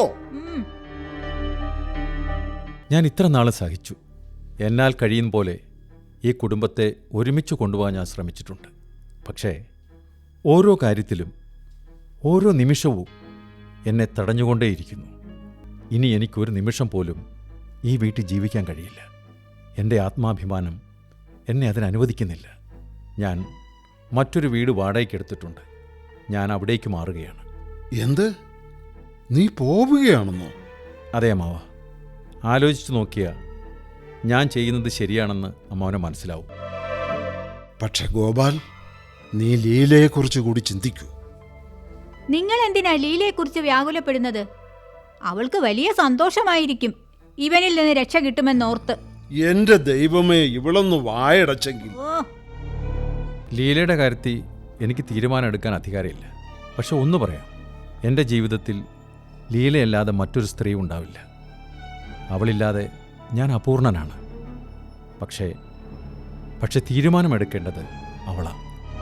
[SPEAKER 6] ഞാൻ ഇത്ര നാളെ സഹിച്ചു. എന്നാൽ കഴിയും പോലെ ഈ കുടുംബത്തെ ഒരുമിച്ച് കൊണ്ടുപോകാൻ ഞാൻ ശ്രമിച്ചിട്ടുണ്ട്. പക്ഷേ ഓരോ കാര്യത്തിലും ഓരോ നിമിഷവും എന്നെ തടഞ്ഞുകൊണ്ടേയിരിക്കുന്നു. ഇനി എനിക്കൊരു നിമിഷം പോലും ഈ വീട്ടിൽ ജീവിക്കാൻ കഴിയില്ല. എൻ്റെ ആത്മാഭിമാനം എന്നെ അതിനനുവദിക്കുന്നില്ല. ഞാൻ മറ്റൊരു വീട് വാടകയ്ക്കെടുത്തിട്ടുണ്ട്. ഞാൻ അവിടേക്ക് മാറുകയാണ്.
[SPEAKER 4] എന്ത്? നീ പോവുകയാണെന്നോ?
[SPEAKER 6] അതെ അമ്മാവ. ആലോചിച്ചു നോക്കിയാൽ ഞാൻ ചെയ്യുന്നത് ശരിയാണെന്ന് അമ്മാവനെ മനസ്സിലാവും.
[SPEAKER 4] പക്ഷെ ഗോപാൽ, നീ ലീലയെക്കുറിച്ച് കൂടി ചിന്തിക്കൂ.
[SPEAKER 5] നിങ്ങൾ എന്തിനാ ലീലയെക്കുറിച്ച് വ്യാകുലപ്പെടുന്നത്? അവൾക്ക് വലിയ സന്തോഷമായിരിക്കും ഇവനിൽ നിന്ന് രക്ഷ കിട്ടുമെന്നോർത്ത്.
[SPEAKER 4] എന്റെ ദൈവമേ, ഇവളൊന്ന് വായടച്ചെങ്കിൽ.
[SPEAKER 5] ഓ,
[SPEAKER 6] ലീലയുടെ കാര്യത്തിൽ എനിക്ക് തീരുമാനം എടുക്കാൻ അധികാരമില്ല. പക്ഷെ ഒന്ന് പറയാം, എൻ്റെ ജീവിതത്തിൽ ലീലയല്ലാതെ മറ്റൊരു സ്ത്രീ ഉണ്ടാവില്ല. അവളില്ലാതെ ഞാൻ അപൂർണനാണ്. പക്ഷേ തീരുമാനമെടുക്കേണ്ടത് അവളാണ്.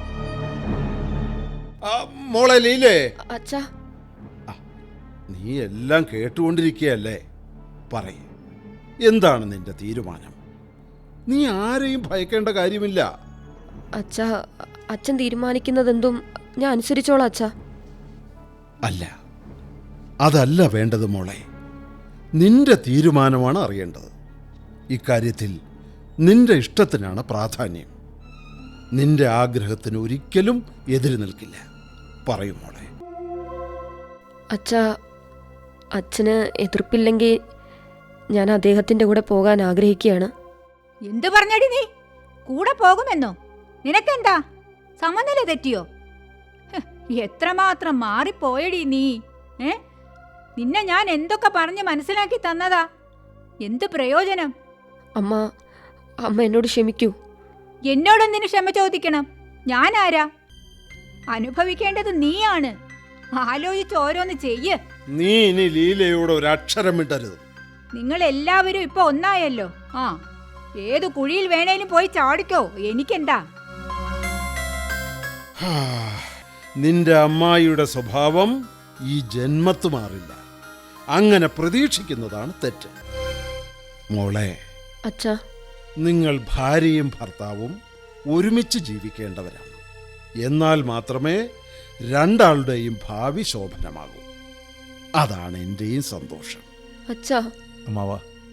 [SPEAKER 4] മോളെ ലീലേ,
[SPEAKER 3] അച്ഛാ,
[SPEAKER 4] നീ എല്ലാം കേട്ടുകൊണ്ടിരിക്കുകയല്ലേ? പറയ്, എന്താണ് നിന്റെ തീരുമാനം? നീ ആരെയും ഭയക്കേണ്ട കാര്യമില്ല.
[SPEAKER 3] അച്ഛാ, അച്ഛൻ തീരുമാനിക്കുന്നതെന്തും ഞാൻ അനുസരിച്ചോളാം അച്ഛാ.
[SPEAKER 4] അല്ല, അതല്ല വേണ്ടത് മോളെ. നിന്റെ തീരുമാനമാണ് അറിയേണ്ടത്. ഇക്കാര്യത്തിൽ നിന്റെ ഇഷ്ടത്തിനാണ് പ്രാധാന്യം. നിന്റെ ആഗ്രഹത്തിന് ഒരിക്കലും എതിര് നിൽക്കില്ല. പറയൂ മോളെ.
[SPEAKER 3] അച്ഛാ, അച്ഛന് എതിർപ്പില്ലെങ്കിൽ ഞാൻ അദ്ദേഹത്തിൻ്റെ കൂടെ പോകാൻ ആഗ്രഹിക്കുകയാണ്.
[SPEAKER 5] എന്തു പറഞ്ഞടി നീ? കൂടെ പോകുമെന്നോ? നിനക്കെന്താ, സമനില തെറ്റിയോ? എത്രമാത്രം മാറിപ്പോയടി നീ. നിന്നെ ഞാൻ എന്തൊക്കെ പറഞ്ഞ് മനസ്സിലാക്കി തന്നതാ. എന്ത് പ്രയോജനം?
[SPEAKER 3] അമ്മ എന്നോട് ക്ഷമിക്കൂ.
[SPEAKER 5] എന്നോടെന്തിനു ക്ഷമ ചോദിക്കണം? ഞാനാരാ? അനുഭവിക്കേണ്ടത് നീയാണ്. ആലോചിച്ച് ഓരോന്ന് ചെയ്യ്.
[SPEAKER 4] നീ ഇനി ലീലയോട് ഒരു അക്ഷരം വിടരുത്.
[SPEAKER 5] നിങ്ങൾ എല്ലാവരും ഇപ്പൊ ഒന്നായല്ലോ. ഏതു കുഴിയിൽ വേണേലും പോയി ചാടിക്കോ, എനിക്കെന്താ.
[SPEAKER 4] നിന്റെ അമ്മായിയുടെ സ്വഭാവം ഈ ജന്മത്ത് മാറില്ല. അങ്ങനെ പ്രതീക്ഷിക്കുന്നതാണ് തെറ്റ്. മോളെ,
[SPEAKER 3] അച്ഛാ,
[SPEAKER 4] നിങ്ങൾ ഭാര്യയും ഭർത്താവും ഒരുമിച്ച് ജീവിക്കേണ്ടവരാണ്. എന്നാൽ മാത്രമേ രണ്ടാളുടെയും ഭാവി ശോഭനമാകൂ. അതാണ് എൻ്റെയും സന്തോഷം.
[SPEAKER 3] അച്ഛാ.
[SPEAKER 6] അമ്മാവ,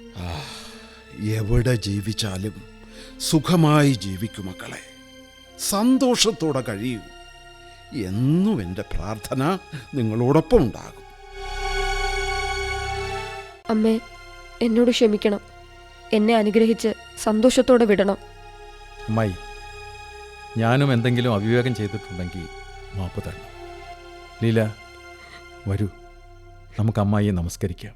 [SPEAKER 4] എവിടെ ജീവിച്ചാലും സുഖമായി ജീവിക്കൂ മക്കളെ. സന്തോഷത്തോടെ കഴിയൂ. എന്നും എൻ്റെ പ്രാർത്ഥന നിങ്ങളോടൊപ്പം ഉണ്ടാകും.
[SPEAKER 3] അമ്മേ, എന്നോട് ക്ഷമിക്കണം. എന്നെ അനുഗ്രഹിച്ച് സന്തോഷത്തോടെ വിടണം.
[SPEAKER 6] അമ്മായി, ഞാനും എന്തെങ്കിലും അവിവേകം ചെയ്തിട്ടുണ്ടെങ്കിൽ മാപ്പ് തരണം. ലീല, വരൂ, നമുക്ക് അമ്മായിയെ നമസ്കരിക്കാം.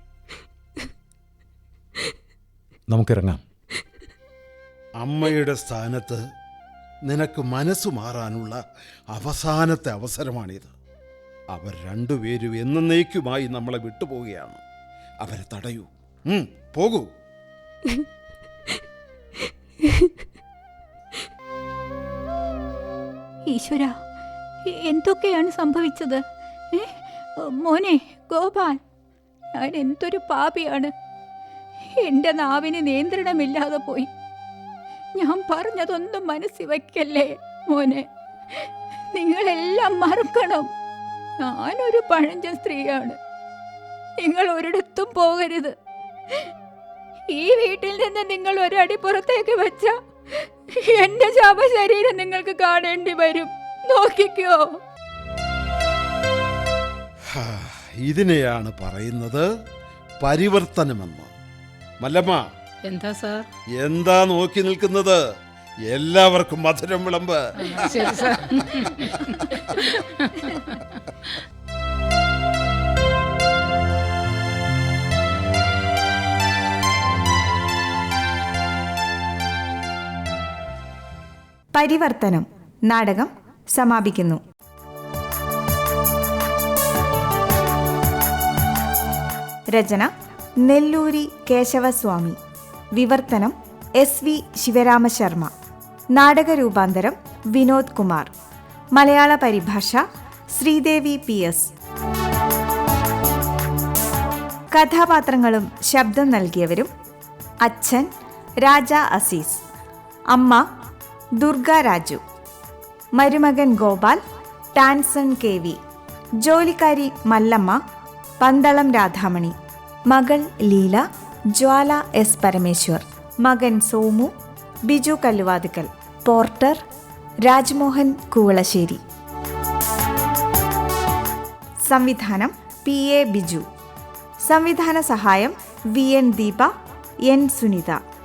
[SPEAKER 6] നമുക്കിറങ്ങാം.
[SPEAKER 4] അമ്മയുടെ സ്ഥാനത്ത് നിനക്ക് മനസ്സു മാറാനുള്ള അവസാനത്തെ അവസരമാണിത്. അവർ രണ്ടുപേരും എന്നേക്കുമായി നമ്മളെ വിട്ടുപോവുകയാണ്. അവരെ തടയൂ. പോകൂ.
[SPEAKER 5] ഈശ്വര, എന്തൊക്കെയാണ് സംഭവിച്ചത്? മോനെ ഗോപാൽ, ഞാൻ എന്തൊരു പാപിയാണ്. എൻ്റെ നാവിന് നിയന്ത്രണമില്ലാതെ പോയി. ഞാൻ പറഞ്ഞതൊന്നും മനസ്സിൽ വയ്ക്കല്ലേ മോനെ. നിങ്ങളെല്ലാം മറക്കണം. ഞാനൊരു പഴഞ്ചൻ സ്ത്രീയാണ്. നിങ്ങൾ ഒരിടത്തും പോകരുത്. ഈ വീട്ടിൽ നിന്ന് നിങ്ങൾ ഒരടി പുറത്തേക്ക് വെച്ച എന്റെ ശവശരീരം നിങ്ങൾക്ക് കാണേണ്ടി വരും. നോക്കിക്കോ.
[SPEAKER 4] ഇതിനെയാണ് പറയുന്നത് പരിവർത്തനമെന്ന്. മല്ലമ്മ,
[SPEAKER 8] എന്താ സാർ?
[SPEAKER 4] എന്താ നോക്കി നിൽക്കുന്നത്? എല്ലാവർക്കും മധുരം വിളമ്പ്.
[SPEAKER 8] ശരി സാർ.
[SPEAKER 1] പരിവർത്തനം നാടകം സമാപിക്കുന്നു. രചന നെല്ലൂരി കേശവസ്വാമി. വിവർത്തനം SV ശിവരാമശർമ്മ. നാടകരൂപാന്തരം വിനോദ് കുമാർ. മലയാള പരിഭാഷ ശ്രീദേവി PS. കഥാപാത്രങ്ങളും ശബ്ദം നൽകിയവരും: അച്ഛൻ രാജ അസീസ്, അമ്മ ദുർഗ രാജു, മരുമകൻ ഗോപാൽ ടാൻസൺ KV, ജോലിക്കാരി മല്ലമ്മ പന്തളം രാധാമണി, മകൾ ലീല ജ്വാല S പരമേശ്വർ, മകൻ സോമു ബിജു കല്ലുവാതിക്കൽ, പോർട്ടർ രാജ്മോഹൻ കൂവളശ്ശേരി. സംവിധാനം PA ബിജു. സംവിധാന സഹായം VN ദീപ, N സുനിത.